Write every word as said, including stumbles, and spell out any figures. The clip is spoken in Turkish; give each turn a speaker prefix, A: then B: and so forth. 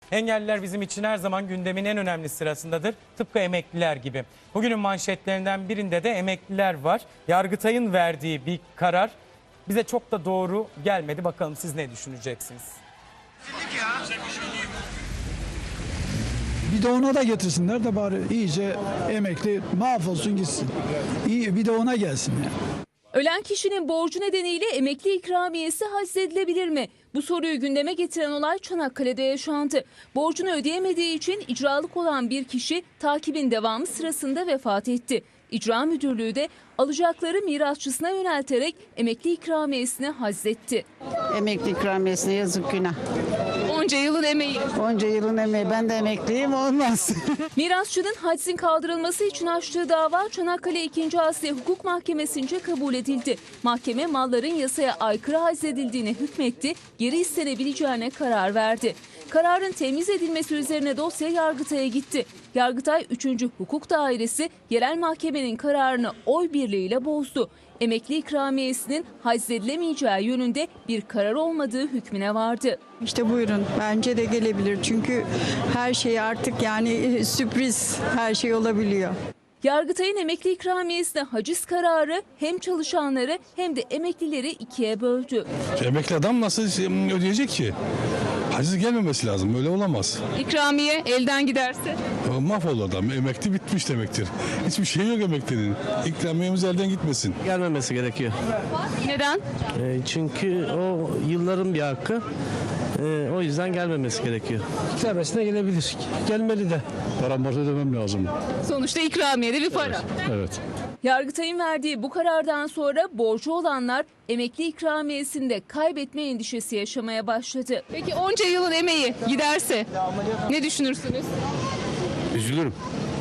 A: Engelliler bizim için her zaman gündemin en önemli sırasındadır. Tıpkı emekliler gibi. Bugünün manşetlerinden birinde de emekliler var. Yargıtay'ın verdiği bir karar bize çok da doğru gelmedi. Bakalım siz ne düşüneceksiniz?
B: Bir de ona da getirsinler de bari iyice emekli mahvolsun gitsin. İyi bir de ona gelsin yani.
C: Ölen kişinin borcu nedeniyle emekli ikramiyesi haczedilebilir mi? Bu soruyu gündeme getiren olay Çanakkale'de yaşandı. Borcunu ödeyemediği için icralık olan bir kişi takibin devamı sırasında vefat etti. İcra Müdürlüğü de alacakları mirasçısına yönelterek emekli ikramiyesini hazzetti.
D: Emekli ikramiyesine yazık günah.
C: Onca yılın emeği.
D: Onca yılın emeği, ben de emekliyim, olmaz.
C: Mirasçının haczin kaldırılması için açtığı dava Çanakkale ikinci. Asya Hukuk Mahkemesi'nce kabul edildi. Mahkeme malların yasaya aykırı haczedildiğine hükmetti, geri istenebileceğine karar verdi. Kararın temiz edilmesi üzerine dosya Yargıtay'a gitti. Yargıtay üçüncü. Hukuk Dairesi yerel mahkemenin kararını oy birliğiyle bozdu. Emekli ikramiyesinin haczedilemeyeceği yönünde bir karar olmadığı hükmüne vardı.
E: İşte buyurun, bence de gelebilir çünkü her şey artık yani sürpriz, her şey olabiliyor.
C: Yargıtay'ın emekli ikramiyesine haciz kararı hem çalışanları hem de emeklileri ikiye böldü.
F: Emekli adam nasıl ödeyecek ki? Haciz gelmemesi lazım. Öyle olamaz.
C: İkramiye elden giderse?
F: Mahvolur adam. Emekli bitmiş demektir. Hiçbir şey yok emeklinin. İkramiyemiz elden gitmesin.
G: Gelmemesi gerekiyor.
C: Neden?
G: E, çünkü o yılların bir hakkı. E, o yüzden gelmemesi gerekiyor.
H: İkramiyesine gelebilir. Gelmeli de.
F: Param varsa ödemem lazım.
C: Sonuçta ikramiyede bir para.
F: Evet.
C: Yargıtay'ın verdiği bu karardan sonra borcu olanlar emekli ikramiyesinde kaybetme endişesi yaşamaya başladı. Peki onca yılın emeği giderse ne düşünürsünüz?
F: Üzülürüm.